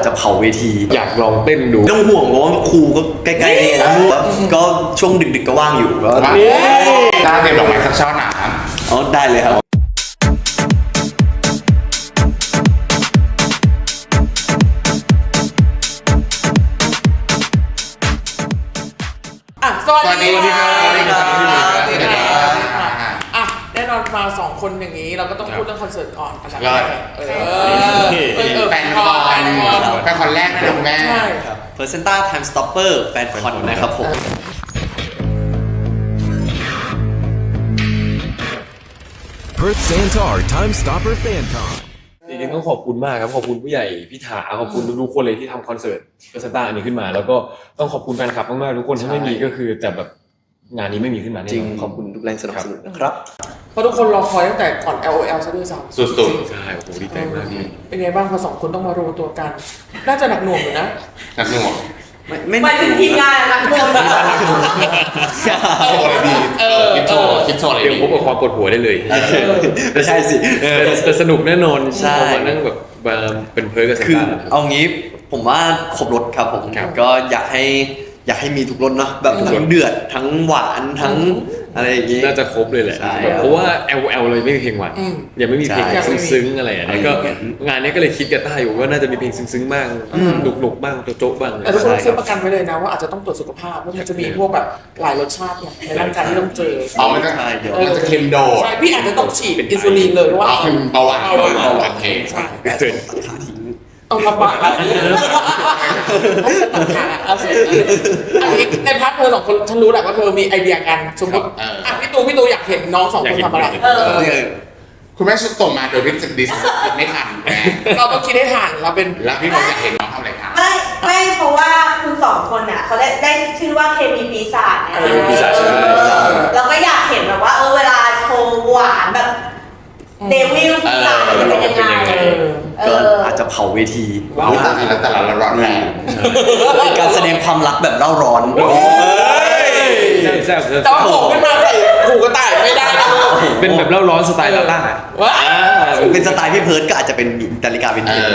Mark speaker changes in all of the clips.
Speaker 1: จะเผาเวที
Speaker 2: อยากลองเต้นดู
Speaker 1: ไม่ต้องห่วงเพราะว่าครูก็ใกล้ๆนี่นะก็ช่วงดึกๆก็ว่างอยู่ก็
Speaker 3: ได้เตรียมดอกไม้สักช่อหนา
Speaker 1: อ๋อได้เลยครับ
Speaker 4: สวัสดีค่ะ
Speaker 3: สวัสดีครับ
Speaker 4: แน่นอนมา2คนอย่างนี้เราก็ต้องพูดเรื่องคอนเสิร์ตก่อนอันดับ
Speaker 3: ยอ
Speaker 4: แร
Speaker 3: ด
Speaker 4: ก
Speaker 3: แฟนคอนแรกนะคุณแม่
Speaker 4: ใช่
Speaker 1: Placenta Time Stopper แฟนคอนนะครับผม
Speaker 5: Perth Santar Time Stopper Fan Con
Speaker 2: จริงๆต้องขอบคุณมากครับขอบคุณผู้ใหญ่พี่ถาขอบคุณทุกๆคนเลยที่ทำคอนเสิร์ตเปอร์เซนต้าอันนี้ขึ้นมาแล้วก็ต้องขอบคุณแฟนคลับมากๆทุกคนถ้าไม่มีก็คือจะแบบงานนี้ไม่มีขึ้นมาแน่นอน
Speaker 1: จริงขอบคุณทุกแรงสนับสนุนนะครับ
Speaker 4: เพราะทุกคนรอคอยตั้งแต่ก่อน LOL ซะด้วยซ้ำ
Speaker 3: สุด
Speaker 2: ใช่โอ้โหดีใจมากพี่
Speaker 4: เป็นไงบ้างพอ2คนต้องมารวมตัวกัน น่าจะหนักหน่วงอยู่นะ
Speaker 3: ๆนักหน่วง
Speaker 1: ไม่
Speaker 6: หมายถึงทีมงานรักโดน
Speaker 3: โชว์อะไรดีคิดโชว์อะไร
Speaker 2: เดี๋ยว
Speaker 3: ดี
Speaker 2: พบกับความปวดหัวได้เลย
Speaker 1: ไม่ใช่สิ
Speaker 2: แต่สนุกแน่นอน
Speaker 1: ใช่
Speaker 2: พอมานั่งแบบมาเป็นเพิร์กกับเซน
Speaker 1: คือ
Speaker 2: ต้า
Speaker 1: เอางี้ผมว่าครบรสครับผม
Speaker 2: ครับ
Speaker 1: ก็อยากให้มีทุกรสเนาะแบบทั้งเดือดทั้งหวานทั้งอะไรอย่างงี้
Speaker 2: น่าจะครบเลยแหละ
Speaker 1: ใช่
Speaker 2: เพราะว่า LOL เลยไม่มีเพลงหวานยังไม่มีเพลง
Speaker 1: ใช่
Speaker 2: ซึ้งๆอะไรอย่างเงี้ยก็งานนี้ก็เลยคิดกับต้าอยู่ว่าน่าจะมีเพลงซึ้งๆบ้างหนุกๆบ้างโจ๊ะๆบ้าง
Speaker 4: แต่ทุกคนซื้อประกันไว้เลยนะว่าอาจจะต้องตรวจสุขภาพเพราะมันจะมีพวกแบบหลายรสชาติเนี่ยในร่างกายที่ต้องเจอ
Speaker 3: มันจะ
Speaker 1: ใช่เดี๋ยว
Speaker 3: มันจะเค็มโดด
Speaker 4: ใช่พี่อาจจะต้องฉีดอินซูลินเลยเพราะว่า
Speaker 3: เอาเป็นเบาหวาน
Speaker 4: โอเค
Speaker 3: ใช่
Speaker 4: ใช่
Speaker 2: เกิด
Speaker 4: เอาลำบากแล้วเอาสิอันนี้ในพาร์ทเธอ2คนฉันรู้แหละว่าเธอมีไอเดียกันสมมติพี่ตูอยากเห็นน้อง2คนทำอะไร
Speaker 3: คุณแม่ส่งมาโดยที่ดิสไม่ทันแม่
Speaker 4: เราต้องคิดให้ทันเราเป็น
Speaker 3: แล้วพี่บอกอยากเห็นน้องทำอะไรคะ
Speaker 6: ไม่เพราะว่าคุณ2คนอ่ะเขาได้ชื่อว่าเคมีปีศาจไง
Speaker 2: ปีศาจใช่
Speaker 6: เราก็อยากเห็นแบบว่าเวลาโชว์หวานแบบเดวิลปีศาจจะเป็นยังไง
Speaker 1: ก็อาจจะเผาเวที
Speaker 3: แต่ละร้อนแรง
Speaker 1: เป็นการแสดงความรักแบบเร่าร้อน
Speaker 2: แซ่บ
Speaker 4: แต่ว่าผมขึ้นมาใส่หูกระต่ายไม่ได้นะลูก
Speaker 2: เป็นแบบเล่าร้อนสไตล์ลาล่า
Speaker 4: ว้า
Speaker 1: เป็นสไตล์พี่เพิร์ดก็อาจจะเป็นนาฬิกาเป็นเพิร์ด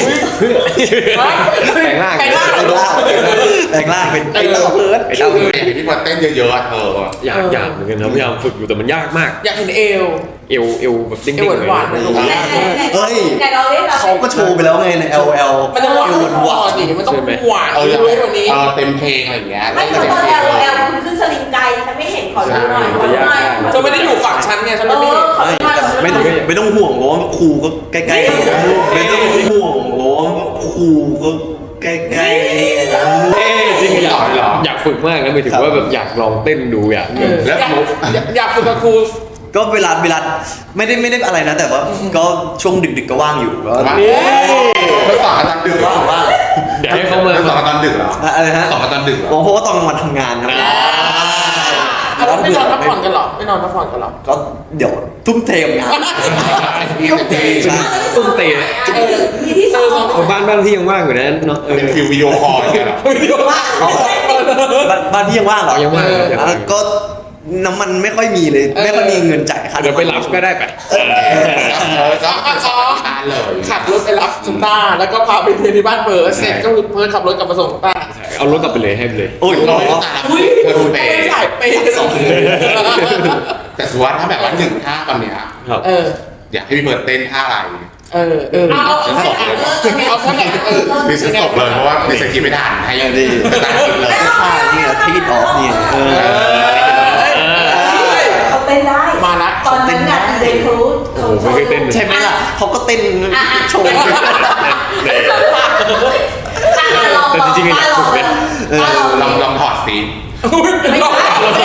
Speaker 2: แปลงร่าง
Speaker 4: แปลงร่าง
Speaker 1: แปลงร่างเป็นไอ้เต้าเพิร์ด
Speaker 3: ไอ้เต้าอยากเห็นพี่บอลเต้นเยอะๆเธอ
Speaker 2: อยากเหมือนกันครับพยายามฝึกอยู่แต่มันยากมาก
Speaker 4: อยากเห็นเอว
Speaker 2: เอวแบบดิ้ง
Speaker 4: เอวหวานๆเลย
Speaker 6: แต่เราเล่น
Speaker 1: เขาก็โชว์ไปแล้วไงใน LL
Speaker 4: มันจะหวานหวานดิมันต้องหวานเยอะกว่านี้
Speaker 3: เต็มเพลงอะไรอย่างเงี้ย
Speaker 6: ไม่เพราะตอนแอลคุณขึ้นสลิงไกฉันไม่เห็นขอดูหน่อย
Speaker 4: เธอไม่ได้อยู่ฝั่งฉันไงฉันไม่ได้เห็น
Speaker 1: ไม่ต้องห่วงเพราะว่าครูก็ใกล้ๆไม่ต้องห่วงเพราะว่าครูก็ใกล้ๆ
Speaker 2: จริงอยากฝึกมากนะหมายถึงว่าแบบอยากลองเต้นดูอยาก
Speaker 3: แล้วสมมติ
Speaker 4: อยากฝึกกับครู
Speaker 1: ก็เวลาไม่ได้อะไรนะแต่ว่าก็ช่วงดึกๆก็ว่างอยู่ก็
Speaker 3: แล้วสอนตอนดึกเหรอ
Speaker 1: ว่าง
Speaker 2: เดี๋ยวให้เขามา
Speaker 3: แล้วสอนตอนดึกเหรอ
Speaker 1: อะไรฮะ
Speaker 3: สอนตอนดึกเหรอ
Speaker 1: เพราะว่าตอนกลางวันทำงานครับ
Speaker 4: แล้วไม่นอนพักผ่อนกันหรอไม่นอนพักผ่อนกันหรอ
Speaker 1: ก็เดี๋ยวทุ่มเทงาน
Speaker 2: ตุ้มเตะ
Speaker 6: มีที่สอง
Speaker 2: บ้านที่ยังว่างอยู่นะเนาะ
Speaker 3: เป็นฟิลวิดีโอคอลอย่างเงี้ยเหรอ
Speaker 1: บ้านพี่ยังว่างเหรอ
Speaker 2: ยังว่าง
Speaker 1: ก็น้ำมันไม่ค่อยมีเลยไม่ค่อยมีเงินจ่ายค่า
Speaker 2: เดี๋ยวไปรับก็ได้ไป
Speaker 3: ก็สอนทานเลย
Speaker 4: ขับรถไปรับซุนต้าแล้วก็พาไปเรียนที่บ้านเพิร์ดเสร็จก็คือเพิร์ดขับรถกลับมาส่งซุนต้า
Speaker 2: เอารถกลับไปเลยให้ไปเลย
Speaker 1: โอ้ย
Speaker 3: เราไม่ต้องการเธอดูเป
Speaker 4: ไม่
Speaker 3: ย์
Speaker 4: ใส่เปย์สอง
Speaker 3: แต่สมมติว่าถ้าแบบว่า1 ท่าตอนเนี้ย
Speaker 2: ครับ
Speaker 3: อยากให้พี่เบิร์ดเต้นท่าอะไร
Speaker 6: เอาแค่ไหน
Speaker 4: เอาแค่ไหน
Speaker 3: ดิฉันตกเลยเพราะว่าดิฉันคิดไม่ทันให้สตาร์ทเลย
Speaker 1: เนี่ยทีดออฟเนี่ย
Speaker 6: เขาเต้นได้
Speaker 4: มาละ
Speaker 6: ตอนนั้นน่ะเดนทูด
Speaker 2: โอ้โหไม่เคยเต้น
Speaker 1: ใช่ไหมล่ะเขาก็เต้นโชว์
Speaker 2: แต่จริงๆอยากฝึกนะ
Speaker 3: ลองถอดสิ
Speaker 6: ไม่ได้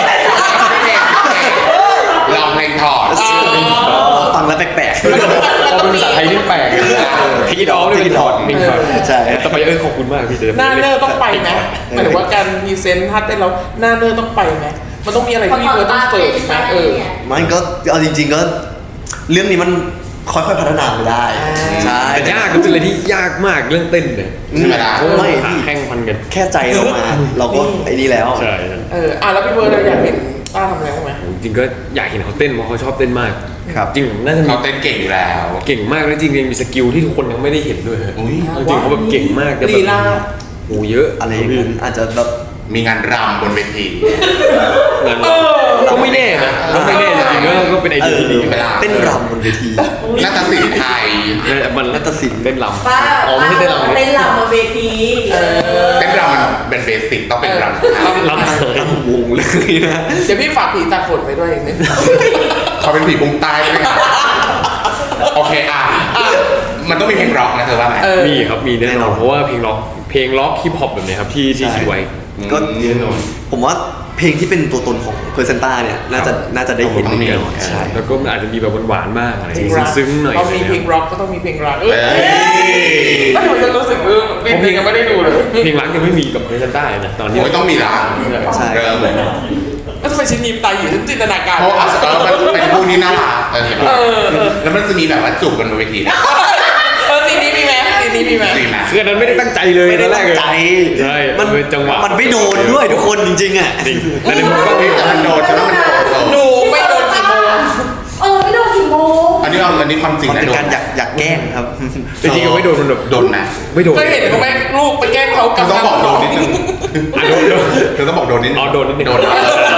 Speaker 3: ลองเพลงถอด
Speaker 1: ฟังแล้วแปลก
Speaker 2: พอเป็นภาษาไทยนี่แปลกพี่ดอมนี่เป็นถอดเพลงถอด
Speaker 1: ๆใช่
Speaker 2: แต่ไปขอบคุณมากพี่เจ
Speaker 4: หน้าเนอร์ต้องไปไหมหมายถึงว่าการพรีเซนต์ท่าเต้นเราหน้าเนอร์ต้องไปไหมมันต้องมีอะไรที่พี่เพิร์ดต้องเสิร์ฟไหม
Speaker 1: มันก็เอาจริงๆก็เรื่องนี้มันค่อยๆพัฒนาไปได้ใช่
Speaker 2: แต่ยากมันเป็นอะไรที่ยากมากเรื่องเต้นเนี่ย
Speaker 3: ใช่ไหมล่ะ
Speaker 1: ไม่
Speaker 2: ขา
Speaker 1: พี่
Speaker 2: แข่งพันกัน
Speaker 1: แค่ใจเรามาเราก็ไอ้นี่แล้ว
Speaker 2: ใช่
Speaker 4: แล้วพี่เพิร์ดอยากเห็นต้าทำอะไรบ้างไหม
Speaker 2: จริงก็อยากเห็นเขาเต้นเพราะเขาชอบเต้นมาก
Speaker 1: ครับ
Speaker 2: จริงน่าจะมี
Speaker 3: เขาเต้นเก่งอยู่แล้ว
Speaker 2: เก่งมากแล้วจริงๆมีสกิลที่ทุกคนยังไม่ได้เห็นด้วยฮะ
Speaker 3: อุ๊ย
Speaker 2: จริงๆเขาแบบเก่งมากแต่แบ
Speaker 4: ลี
Speaker 2: บ
Speaker 4: ลา
Speaker 2: โหเยอะ
Speaker 1: อะไรอย่างนั้นอาจจะแบบ
Speaker 3: มีงานรำบนเวที
Speaker 2: งานก็ไม่แน่นะก็ไม่แน่จริงๆก็เป็นไอเดียที่ดี
Speaker 1: เต้นรำบนเวที
Speaker 3: นาฏศิลป์ไทย
Speaker 2: มัน
Speaker 1: นาฏศิลป์
Speaker 2: เต้นรำ
Speaker 6: ป้า
Speaker 2: อ๋อไม่ใช่เต้นรำ
Speaker 6: เต้นรำบนเวที
Speaker 3: เต้นรำมันเป็นเบสิกต้องเป็นรำไทย
Speaker 2: รำไทย
Speaker 1: ตั้งวงเลยนะ
Speaker 4: เดี๋ยวพี่ฝากผีตาขนไปด้วยอย่างนี้
Speaker 3: เขาเป็นผีบุ้งใต้ใช่ไหมครับโอเคมันต้องมีเพลงร็อกนะเธอว่าไหม
Speaker 2: มีครับมีแน่นอนเพราะว่าเพลงล็อกฮิปฮอปแบบนี้ครับที่คิดไว้
Speaker 1: ก็
Speaker 2: แน่นอน
Speaker 1: ผมว่าเพลงที่เป็นตัวตนของเพอร์เซนต้าเนี่ยน่าจะได้เห็น
Speaker 3: ต้องมี
Speaker 1: แน่นอนใช่
Speaker 2: แล้วก็อาจจะมีแบบหวานๆบ้างอะไร
Speaker 4: เพลงร็อก
Speaker 2: ซึ้งๆหน่อย
Speaker 4: พอมีเพลงร็อกก็ต้องมีเพลงรัก
Speaker 3: เอ้ย
Speaker 4: ก็หนูจะรู้สึกเพลงยังไม่ได้ดูเลย
Speaker 2: เพลงรักยังไม่มีกับเพลงใต้นะตอนนี้
Speaker 3: โอ้ยต้องมีละ
Speaker 1: ใช่
Speaker 3: เริ่มเลย
Speaker 4: แล้วทำไมชิ้นยิ้มตายอยู่ฉันจินตนาการ
Speaker 3: เพราะมันเป็นคู่นี้น่ารักเห็นไหมแล้วมันจะมีแบบว่าจูบกันบนเวทีนะ
Speaker 4: ซีนนี้มีไหมซีนนี้มีไหม
Speaker 3: จริงนะ
Speaker 2: คืออันนั้นไม่ได้ตั้งใจเลย
Speaker 1: ไม่ได้
Speaker 2: ตอนแร
Speaker 1: ตั้
Speaker 2: ก
Speaker 1: ง
Speaker 2: เลย
Speaker 1: ใจ
Speaker 2: ใช่
Speaker 1: มัน
Speaker 2: เป็นจังหวะ
Speaker 1: มันไม่โดนด้วยทุกคนจริงๆอ่ะ
Speaker 2: จริงแต่ในมุมก็
Speaker 3: แต่มันโดนใช่ไหมมันโดน
Speaker 4: หนูไม่โดนกี่โมง
Speaker 6: ไม่โดนกี่โมง
Speaker 3: อันนี้ความจริง
Speaker 1: มัน
Speaker 3: นะ
Speaker 1: เป็น
Speaker 3: โดน
Speaker 1: การอยากแกล้งครับ
Speaker 2: จริงๆก็ไม่โดนมันแบบ
Speaker 3: โดนนะ
Speaker 2: ไม่โดน
Speaker 4: ก็เห็นเขาไหมลูกไปแกล้งเขา
Speaker 3: เธอต้องบอกโดนนิดนึง
Speaker 2: อ่ะโดน
Speaker 3: เธอต้องบอกโดนนิดนึง
Speaker 2: อ๋อโดนนิดนึง
Speaker 3: โดนนะ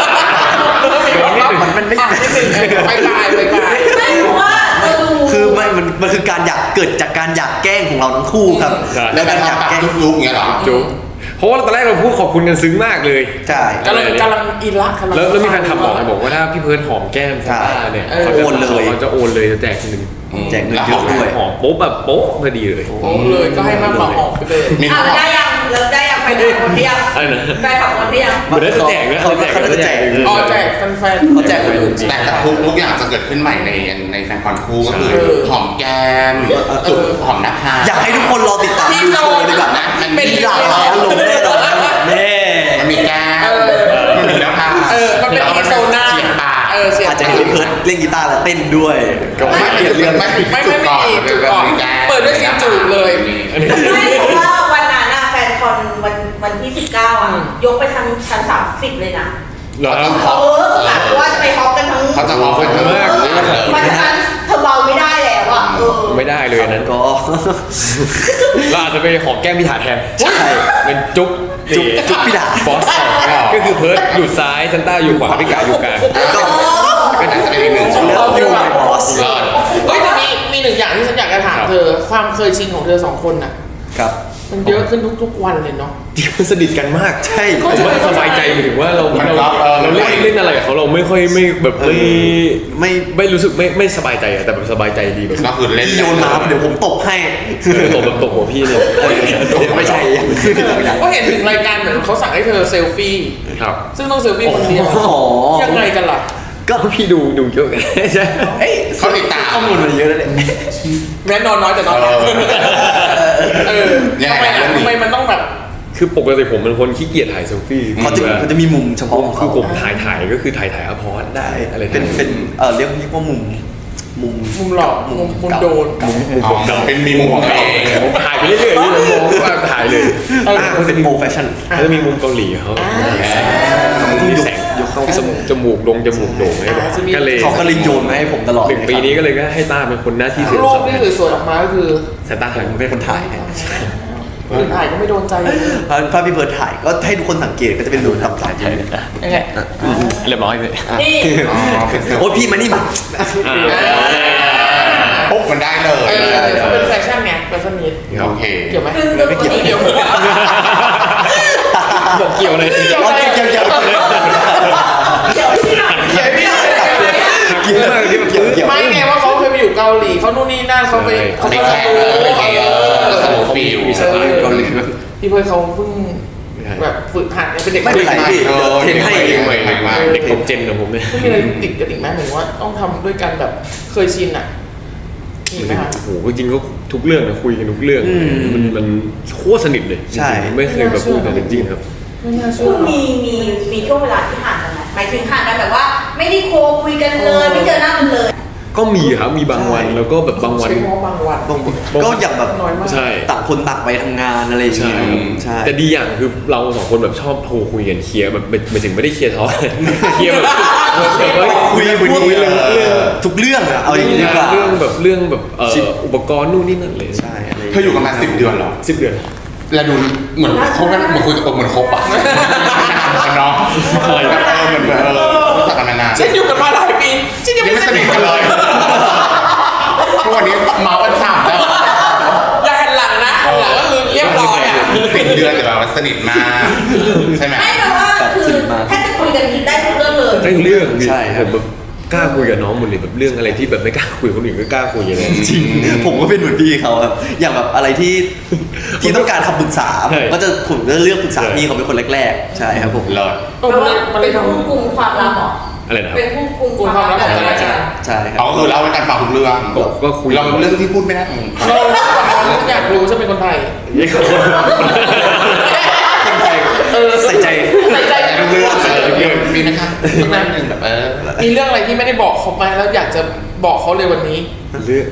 Speaker 1: มันไม่
Speaker 4: นิดนึงไปตาย
Speaker 6: ไม่เพราะว่าเราดู
Speaker 1: คือมันคือการเกิดจากการอยากแกล้งของเราทั้งคู่ครับ
Speaker 3: แล้วการ
Speaker 1: อยาก
Speaker 3: ทำปาก
Speaker 1: แกล้ง
Speaker 3: จุ๊บๆอย่างเงี้ยเหรอ
Speaker 2: จุ๊บเพราะว่าตอนแรกเราพูดขอบคุณกันซึ้งมากเลย
Speaker 1: ใช่
Speaker 4: กำลังอินละกำลัง
Speaker 2: แล้วมีแฟนคลับบอกว่าถ้าพี่เพิร์ดหอมแก้มซาร่าเนี่ยเขาจะ
Speaker 1: โอนเลย
Speaker 2: เขาจะโอนเลยจะแจกเงิน
Speaker 1: แจกเงินเยอะด้วย
Speaker 2: หอมโป๊ะแบบโป๊ะพอดีเลย
Speaker 4: โอ้เลยก็ให้มากกว่าออกไปเลย
Speaker 3: มี
Speaker 6: แล้วได้ยังไปถามคนที่ยัง
Speaker 2: อะไรนะ
Speaker 6: ไปถามคนที่ยัง
Speaker 2: มันได้แจกนะ
Speaker 1: เขาจะแจก
Speaker 4: อ๋อแจกแฟนๆ
Speaker 1: เขาแจกคนอื่น
Speaker 3: แต่ทุกอย่างจะเกิดขึ้นใหม่ในแฟนคอนคู่ก็คือหอมแก้มจุ๊บหอมหน้าผาก
Speaker 1: อยากให้ทุกคนรอติดตามดูโชว์ดีกว่านะ
Speaker 3: เป็น
Speaker 1: มีหลากหลายอารมณ์แน่นอนแน่
Speaker 3: มันมีแก้มมันมีหน้าผาก
Speaker 4: มันเป็นอีโซน่า
Speaker 3: เฉียดปาก
Speaker 4: เสีย
Speaker 1: อาจจะเห็นเพิร์ดเล่นกีตาร์แล้วเต้นด้วย
Speaker 3: ไม่เปลี่ยนเรื่องไม่
Speaker 4: ไม่มีจุดก่อนเปิดด้วยซีนจูบเลย
Speaker 6: ไม่เพราะว่าวันนั้นน่ะแฟนคอนวันที่ 19 อ่ะ ยกไปทางชั้น 30 เลยนะ
Speaker 2: เหรอ
Speaker 6: กะว่าจะไปฮอปกันทั้ง
Speaker 3: เขาจะออกไปทั้ง
Speaker 6: เพราะฉะนั้นเธอเบาไม่ได้แล้วอ่ะ
Speaker 2: ไม่ได้เลยอันนั้น
Speaker 1: ก็
Speaker 2: เราอาจจะไปหอมแก้มพี่ถาแทน
Speaker 1: ใช่
Speaker 2: เป็นจุ๊บ
Speaker 1: จุ๊บพี่ดา
Speaker 2: บอสก็คือเพิร์ดอยู่ซ้ายซันต้าอยู่ขวาพี่กาอยู่กลาง
Speaker 1: ก็
Speaker 3: ก็น่าจะเป็นอีกหนึ่งช่วง
Speaker 1: เลิฟยูไมบอส
Speaker 3: เลิศ
Speaker 4: เฮ้ยแต่มีหนึ่งอย่างที่ฉันอยากจะถามเธอ ความเคยชินของเธอสองคนน่ะ
Speaker 1: ครับ
Speaker 4: มันเยอะขึ้นทุกวันเลยเนาะ
Speaker 2: ที่มันสนิทกันมาก
Speaker 1: ใช่
Speaker 2: ผมว่าสบายใจหมายถึงว่าเราเล่นอะไรกับเขาเราไม่ค่อยไม่แบบไม่รู้สึกไม่สบายใจอะแต่แบบสบายใจดีแบบ
Speaker 3: ก็คือเล่น
Speaker 1: พี่โยนน้ำเดี๋ยวผมตบให้
Speaker 2: ตบแบบตบหัวพี่เนี่ย
Speaker 1: ไม่ใช่
Speaker 4: ก็เห็นถึงรายการเหมือนเขาสั่งให้เธอเซลฟี่
Speaker 2: ครับ
Speaker 4: ซึ่งต้องเซลฟี่คนเดียว
Speaker 1: อ๋อ
Speaker 4: ยังไงกันล่ะ
Speaker 2: ก็พี่ดูเยอะไงใช่
Speaker 3: เขาติดตาม
Speaker 1: ข้อมูลมันเยอะแล้วเนี่ย
Speaker 4: แม้นอนน้อยแต่นอนทำไมมันต้องแบบ
Speaker 2: คือปกติผมเป็นคนขี้เกียจถ่ายเซลฟี่
Speaker 1: เขาจะมีมุมเฉพาะของ
Speaker 2: คื
Speaker 1: เขา
Speaker 2: อผมถ่ายก็คือถ่ายอภรได้อะไร
Speaker 1: เป็นเรียกว่ามุม
Speaker 4: มุมหลอกมุมโดน
Speaker 3: เป็นมีมุมของตัวเอง
Speaker 2: ผมถ่ายไปเรื่อยๆผมมองว่าถ่ายเลย
Speaker 1: เขาเป็นโปรแฟชั่น
Speaker 2: เขาจะมีมุมเกาหลีเขามีแสงจมูกโด่งให้แบบก็เลย
Speaker 1: เขาก็เลยโยนมาให้ผมตลอด
Speaker 2: 1 ปีนี้ก็เลยก็ให้ต้าเป็นคนหน้าที่เสีย
Speaker 4: รู
Speaker 2: ส
Speaker 4: ป
Speaker 2: ละ
Speaker 4: ที่สวยๆออกมาก็คือ
Speaker 2: สายตาถ่าย
Speaker 1: ผมเป็นคนถ่ายให้
Speaker 4: คนถ่ายก็ไม่โดนใจเลย
Speaker 1: ถ้าพี่เบิร์ดถ่ายก็ให้ทุกคนสังเกตก็จะเป็นรูปทำสายถ่าย
Speaker 4: ยังไง
Speaker 2: เรียบร้อยเลย
Speaker 6: นี่
Speaker 1: โอ้พี่มานี่มา
Speaker 3: ปุ๊บมันได้เลย
Speaker 4: เขาเป็นแฟชั่นไงแฟชั่นนิด
Speaker 3: โอเค
Speaker 4: เกี่ยวไหม
Speaker 6: คือ
Speaker 1: ไม่เกี่ยว
Speaker 4: เกี่ยว
Speaker 2: บอกเกี่ยวเลย
Speaker 1: เกี่ยว
Speaker 6: ที่ไหน
Speaker 4: เกี่ยวไม่ได้
Speaker 2: เกี่ยวมากที่มันเกี่ยว
Speaker 4: ไม่ไงว่าเขาเคยไปอยู่เกาหลีเขานู่นนี่นั่นเขาไป
Speaker 3: ไปแข่งไปแข่งก็สนุกฟิล
Speaker 2: มีสไตล์เกาหลี
Speaker 4: พี่เพิร์ดเขาเพิ่งแบบฝึกหัดเป็นเด็ก
Speaker 1: ไม่เป็นไรพี่เดี๋ยวเทรนให้
Speaker 2: เด็กผมเจนของผมเนี่ย
Speaker 4: ไม่มีอะไรติดกันอีกไหมเหมือนว่าต้องทำด้วยกันแบบเคยชินอ่ะมีไหมคะ
Speaker 2: โอ้โหจริงก็ทุกเรื่องนะคุยกันทุกเรื่องมันโคตรสนิทเลยไม่เคยแบบพูดกันจริงครับ
Speaker 4: ไม่น่าเชื่
Speaker 6: คุ
Speaker 4: อ
Speaker 6: ณมีช่วงเวลาที่ห่างกันไหมหมายถึงห่างกันแบบว่า ไม่ได้โคคุยกันเลยไม่เจอหน้ากันเลย
Speaker 2: ก็มีครับมีบางวันแล้วก็แบบบางวัน
Speaker 4: ใช้คำว่าบางวัน
Speaker 1: ก็อย่างแบบ
Speaker 4: น้อยมาก
Speaker 2: ใช่
Speaker 1: ต่างคนต่างไปทำงานอะไรอย่าง
Speaker 2: ใช่
Speaker 1: เงี้ยใช่
Speaker 2: แต่ดีอย่างคือเราสองคนแบบชอบโทรคุยกันเคลียร์แบบไม่ถึงไม่ได้เคลียร์ท้อ เคลียร์แบบคุย
Speaker 1: คุย
Speaker 2: เรื่อง
Speaker 1: ทุกเรื่องอะเอาอย่างนี้ดีกว่า
Speaker 2: เรื่องแบบอุปกรณ์นู่นนี่นั่นเลย
Speaker 1: ใช่อะไร
Speaker 3: เธออยู่กันมา10 เดือนเหรอ
Speaker 2: 10 เดือน
Speaker 3: แล้วดูเหมือนคบกันเหมือนคุยกับเหมือนคบอ่ะเนาะเหมือนรู้จักกันมานาน
Speaker 4: ฉันอยู่กันมาหลายปีฉันยัง
Speaker 3: ยัง
Speaker 4: ไม่
Speaker 3: ไม่
Speaker 4: ส
Speaker 3: ส
Speaker 4: นิ
Speaker 3: นิ
Speaker 4: ท
Speaker 3: ท
Speaker 4: กั
Speaker 3: กัน น
Speaker 4: เล
Speaker 3: เลย ยทุกวันนี้เมากันฉ่ำแล้ว
Speaker 4: อย่าหันหลังนะหันหลังก็คือเรียบร้อยอ่ะ
Speaker 3: 10 เดือนแต่แบบสนิทมากใช่ไหม
Speaker 6: ไม่แปลว่าคือแค่จะคุยกันได้ทุกเรื่องเลย
Speaker 2: ได้เรื่อง
Speaker 1: ใช่ครับ
Speaker 2: ผมแบบกล้าคุยกับน้องหมดเลยแบบเรื่องอะไรที่แบบไม่กล้าคุยกับคนอื่นก็กล้าคุยอย่างเงี้ย
Speaker 1: จริงผมก็เป็นเหมือนพี่เขาครับอย่างแบบอะไรที่ต้องการคำปรึกษา
Speaker 2: ใช่
Speaker 1: ผมก็เลือกปรึกษาพี่เขาเป็นคนแรกๆใช่ครับผม
Speaker 3: เลิศ
Speaker 4: มันเลยทำ
Speaker 6: ผู้กุมความลับเหรอ
Speaker 2: อะไรนะครับ
Speaker 6: เป็นผู้กุม
Speaker 4: กุมความลับของกันและกัน
Speaker 1: ใช่ครั
Speaker 3: เขาก็คือเล่าให้กันฟังทุกเรื่อง
Speaker 2: ก็คุย
Speaker 3: เราเรื่องที่พูดไม่ได้
Speaker 4: เราอยากรู้ฉันเป็นคนไทย
Speaker 1: คนไทยใส่ใจ
Speaker 4: ใส่ใจ
Speaker 3: แต่ทุกเรื่องมีไหมคะทุกเรื่องหนึ่งแบบ
Speaker 4: มีเรื่องอะไรที่ไม่ได้บอกเขาไหมแล้วอยากจะบอกเขาเลยวันนี้
Speaker 2: เรื่อง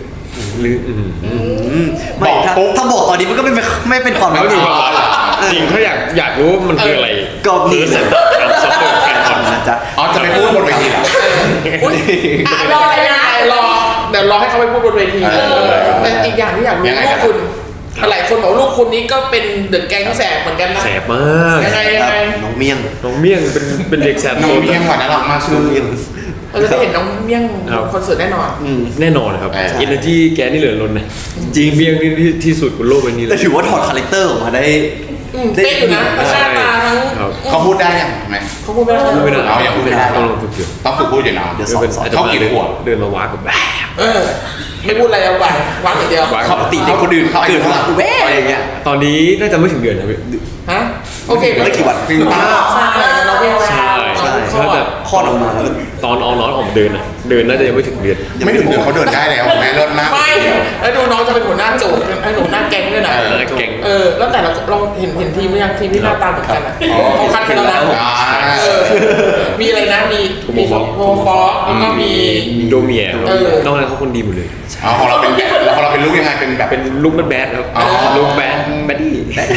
Speaker 1: ไม่ถ้าบอกตอนนี้มันก็ไม่เป็นความ
Speaker 2: แล้ว
Speaker 1: จ
Speaker 2: จ
Speaker 1: ริ
Speaker 2: ริ
Speaker 1: ง
Speaker 2: งจริงถ้าอยากรู้ว่ามันคืออะไร
Speaker 1: ก็มี
Speaker 2: เซ็นเตอร์การซอฟต์แวร์แฟนคอน
Speaker 1: นะจ๊ะ
Speaker 3: อ๋อจะไปพูดบนเวทีเหรอ
Speaker 4: อุ๊ยรอเลยนะรอเดี๋ยวรอให้เขาไปพูดบนเวทีแต่อีกอย่างที่อยากรู้ลูกคุณหลายคนบอกลูกคุณนี้ก็เป็นเดอะแก๊งแสบเหมือนกันนะ
Speaker 2: แสบมาก
Speaker 4: ยังไง
Speaker 1: น้องเมี่ยง
Speaker 2: น้องเมี่ยงเป็นเด็กแสบ
Speaker 3: น้
Speaker 2: โซ
Speaker 3: อง
Speaker 2: น
Speaker 3: เมี่ยงหวานน่ารักมากชื่อ
Speaker 1: เมี่ยง
Speaker 4: เราจะได้เห็นน้องเมี่ยงคอนเสิร์ตแน่นอน
Speaker 2: แน่นอนครับ energy แกนี่เหลือล้นนะ
Speaker 1: จริง
Speaker 2: เมี่ยงนี่ที่สุดบนโลกใบนี้เล
Speaker 1: แต่
Speaker 2: ย
Speaker 1: ถือว่าถอดคาแรคเตอร์ออกมาได้
Speaker 4: เป๊ะอยู่นะทั้งหน้าตาทั้ง
Speaker 2: ครับ
Speaker 3: เขาพูดได้ยังไหม
Speaker 4: เขาพูดไม่ได้
Speaker 2: ไม่ได้
Speaker 3: เอายังพูดไม่ได้
Speaker 2: ต้องลองฝึกอยู่
Speaker 3: ต้องฝึกพูดอยู่เนาะ
Speaker 1: เดี๋ยว
Speaker 3: เขากี่ขวบ
Speaker 2: เดินมาว้ากับแบบ
Speaker 4: ไม่พูดอะไรเอาไปวางอย่างเดียว
Speaker 1: ปกติเด็กคนอื่น
Speaker 3: เขาอายุ
Speaker 1: เกิด
Speaker 3: เท่าไหร่
Speaker 1: มาแว่อะไรอย่างเงี้ย
Speaker 2: ตอนนี้น่าจะไม่ถึงเดือนนะพี่
Speaker 4: ฮะโอเค
Speaker 1: ไม่กี่วัน
Speaker 3: จริงป่ะ
Speaker 4: ใช่เราเรียกว่า
Speaker 2: ใช่
Speaker 1: ใช่
Speaker 2: ถ้าแบบ
Speaker 1: คลอดออกมาแล้ว
Speaker 2: ตอนออนน้อยออกมาเดินนะเดินน่าจะยังไม่ถึงเดือน
Speaker 3: ไม่ถึงเดือนเขาเดินได้แล้วแม่เลิศมาก
Speaker 4: ไม่แล้วดูน้องจะเป็นหัวหน้าโจทย์เป็นหัวหน้าแก๊งด้วยนะ
Speaker 2: แล้วแก่ง
Speaker 4: แล้วแต่เราเห็นทีมหรือยังทีมที่หน้าตาเหมือนกันอ่ะเขาคัดไปแล้วนะมีอะไรนะมีโฮฟอร์แล้วก็มี
Speaker 2: โดเมีย
Speaker 4: เออ
Speaker 2: นอกนั้นเขาคนดีหมดเลย
Speaker 3: เอาของเราเป็นแบบแล้วของเราเป็นลูกยังไงเป็นแบบ
Speaker 2: เป็นลูกแบดครับ
Speaker 3: อ๋อ
Speaker 2: ลูกแบดดี้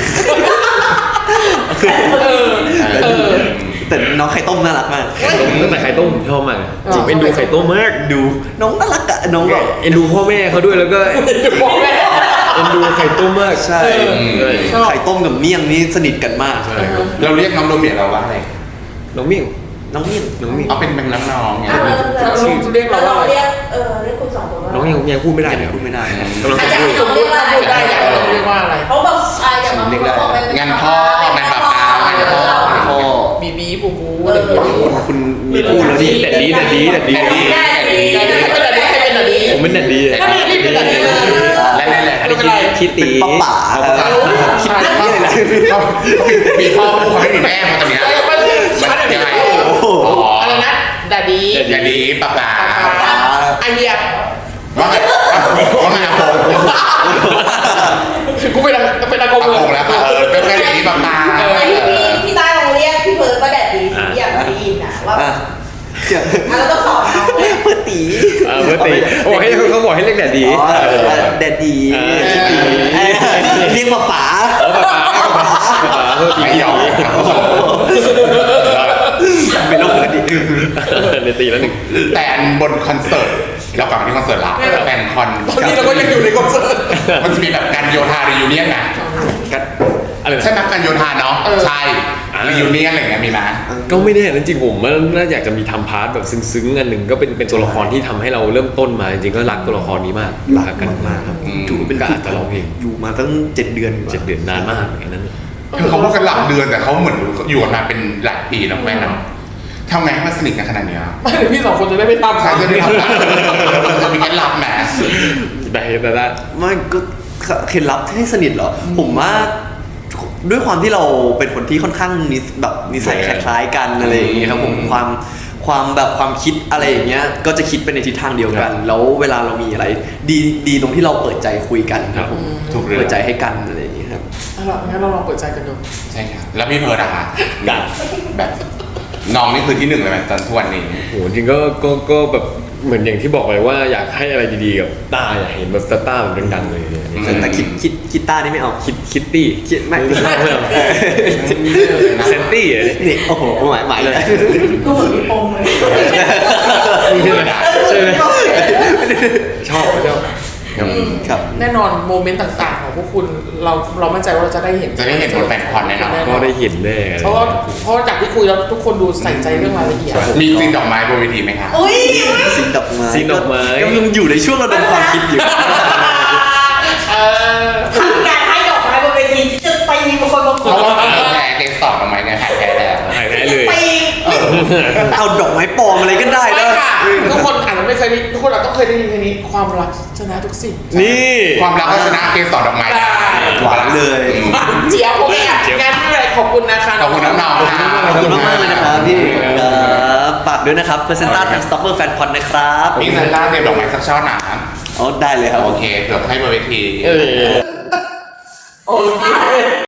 Speaker 1: แต่น้องไข่ต้มน่ารักมาก
Speaker 2: ตั้งแต่ไข่ต้มผมชอบมากจริงเป็นดูไข่ต้มมาก
Speaker 1: ดูน้องน่ารักอะน้องแบบ
Speaker 2: เอ็นดูพ่อแม่เขาด้วยแล้วก็
Speaker 4: บอกแม่
Speaker 2: เอ็นดูไข่ต้มมาก
Speaker 1: ใช่
Speaker 2: ใช่
Speaker 1: ไข่ต้มกับเมี่ยงนี่สนิทกันมาก
Speaker 2: ใช่ครับ
Speaker 3: เราเรียกน้องโดเมียเราว่าอะไร
Speaker 2: น้องมิ่ง
Speaker 1: น้องเมี่ยง
Speaker 2: น้องมิ่ง
Speaker 3: เอาเป็นน้องๆไง
Speaker 4: ลูกเรียกเราว่าอะไร
Speaker 6: เรียกคุณสองคนว่า
Speaker 2: น้องยังพูดไม่ได้เลยครับ
Speaker 1: พูดไม่ได้นะ
Speaker 2: กำลัง
Speaker 6: อาจ
Speaker 2: จะ
Speaker 6: จะ
Speaker 2: พูด
Speaker 6: สมมติว่าอะไร
Speaker 4: ได้อยากให้เราเรียกว่าอะไร
Speaker 6: เขาบอกอย่างบางคนบอกเป็น
Speaker 3: งานพ่องานปลาปลางานพ่อ
Speaker 1: พ่อ
Speaker 4: บีบีบูบูอะไรอย่างเงี้ย
Speaker 1: คุณมีพูดแล้วดิ
Speaker 2: แดดดี
Speaker 4: ใครเป็นอะไรใครเป็นอะไร
Speaker 2: ผมเป็นแดดดี
Speaker 4: ถ้าไม่รีบเป็นอะไรเลย
Speaker 3: และนั่นแหละ
Speaker 2: อันนี้คิดตี
Speaker 1: ป้าป๋าครับ
Speaker 3: คิดถึงเลยเขามีพ่อเขาไม่มีแม่มาตอนเนี้ย
Speaker 4: มันยังไง
Speaker 1: โอ้โห
Speaker 4: อะไรนะดาดี
Speaker 3: อย่าดีปลาปลา
Speaker 4: ไอเหี้ย
Speaker 3: ว่าไงว่าไงผม
Speaker 4: กูเป็นอากง
Speaker 3: ปลา
Speaker 4: เลย
Speaker 3: โกงแล้วเป็นแค่อย่างนี้ปลาปลา
Speaker 6: ไอ้พี่ใต้ลองเรียกพี่เพิร์ดว่าแดดดีที่อยากได้ยินนะว่า
Speaker 1: อ่ะเดี๋ยว
Speaker 6: เราต้องสอนน้องเลย
Speaker 1: เพื่อตี
Speaker 2: เพื่อตีโอ้ให้เขาบอกให้เรียกแดดดี
Speaker 1: อ๋อแดดดีเรียกป้าป๋า
Speaker 2: เพื่อตี
Speaker 3: ไม่ยอม
Speaker 1: เป็นโรคปกติ
Speaker 2: เนตีแล้วหนึ่ง
Speaker 3: แต่บนคอนเสิร์ตเรากลับมาที่คอนเสิร์ตละแฟนคอน
Speaker 4: ตอนนี้เราก็ยังอยู่ในคอนเสิร์ต
Speaker 3: มันจะมีแบบการโยธารียูเนียนนะ
Speaker 2: อะไร
Speaker 3: ใช่ไหมการโยธาเนาะใช่รียูเนียนอะไรอย่างเงี้ยมีไหม
Speaker 2: ก็ไม่แน่นะจริงผมว่าน่าอยากจะมีทพาร์ทแบบซึ้งๆอันหนึ่งก็เป็นตัวละครที่ทำให้เราเริ่มต้นมาจริงๆก็รักตัวละครนี้มากรักกันมากครับถือว่าเป็นก็อาจจะร้องเพลง
Speaker 1: อยู่มาตั้ง7 เดือน
Speaker 2: 7 เดือนนานมากอย่างนั้น
Speaker 3: คือเขาพูดกันหลักเดือนแต่เขาเหมือนอยู่กันมาเป็นหลายปีนะแม่เนาะทำไงให้มันสนิทกันขนาดเนี้ย
Speaker 4: ไม่เดี๋ยวพี่สองคนจะได้ไม่ทำ
Speaker 3: ใช่จะได้ทำได้จะมีเคล็ดลับแหม
Speaker 2: ได้
Speaker 1: ไม่ก็เคล็ดลับให้สนิทเหรอ ผมว่าด้วยความที่เราเป็นคนที่ค่อนข้างแบบนิสัยคล้ายๆกันอะไรอย่างเงี้ยครับผมความคิดอะไรอย่างเงี้ยก็จะคิดไปในทิศทางเดียวกัน แล้วเวลาเรามีอะไรดีตรงที่เราเปิดใจคุยกันครับผม
Speaker 3: ถูกเรื่อง
Speaker 1: เปิดใจให้กันอะไรอย่างเงี้ยครับ
Speaker 4: งั้นเราลองเปิดใจกันดู
Speaker 3: ใช่ครับแล้วพี่เพิร์ดอะคะ
Speaker 2: กัน
Speaker 3: แบบน้องนี่คือที่หนึ่งเลยไหมตอนทุกวันนี้
Speaker 2: โหจริงก็แบบเหมือนอย่างที่บอกไปว่าอยากให้อะไรดีๆกับต้าอยากเห็นแบบต้าแบบดังๆเลยเนี่ย
Speaker 1: แต่คิดต้านี่ไม่เอา
Speaker 2: คิตตี้
Speaker 1: คิดไม่
Speaker 2: ไม่เอาเซนตี้อะ
Speaker 1: นี่โอ้โหหมายเลย
Speaker 6: ก็เหมือนมีปมเลย
Speaker 2: ใช่ไหมชอบ
Speaker 1: ครับ
Speaker 4: แน่นอนโมเมนต์ต่างๆของพวกคุณเรามั่นใจว่าเราจะได้เห็น
Speaker 3: จะได้เห็นบนแฟนคอนแน่นอน
Speaker 2: ก็ได้เห็นแน่
Speaker 4: เพราะจากที่คุยแล้วทุกคนดูใส่ใจเรื่องรายละเอียด
Speaker 3: มีซีนดอกไม้บนเวทีไหมคะ
Speaker 6: อุ้ย
Speaker 1: ซีนดอกไม้
Speaker 2: ซีนดอกไม้
Speaker 1: ก็ยังอยู่ในช่วงระดมความคิดอยู่
Speaker 6: ทำการให้ดอกไม้บนเวทีที่จะตีบางคนบางค
Speaker 3: เพ
Speaker 6: น
Speaker 3: ราะว่าแพ้เกสสอบดอกไม้เนี่ยหายแพ้แล้ว
Speaker 2: หายแพ้เลย
Speaker 6: ตี
Speaker 1: เอาดอกไม้ปลอมอะไรก็ได้
Speaker 4: ไม่
Speaker 1: นะ
Speaker 4: ค่ะทุกคนอาจจะไม่เคยได้ทุกคนอาจต้องเคยได้ยินเพลงนี้ความรักชนะทุกสิ่ง
Speaker 2: นี่
Speaker 3: ความรักก็ชนะเกสสอบดอกไม้ได้
Speaker 1: หวานเลย
Speaker 4: เจี๊ยบโอเคอ่ะงานที่ไรขอบคุณนะคะ
Speaker 3: ขอบคุณน้องๆค่ะ
Speaker 1: ขอบคุณมากๆเลยนะครับพี่ครับฝากด้วยนะครับ Presenta Time Stopper Fan Con นะครับ
Speaker 3: พี่เซนต้าเตรียมดอกไม้สักช่อหนา
Speaker 1: อ๋อได้เลยครับ
Speaker 3: โอเคเผื่อให้บนเวที
Speaker 2: เออ
Speaker 4: โอเค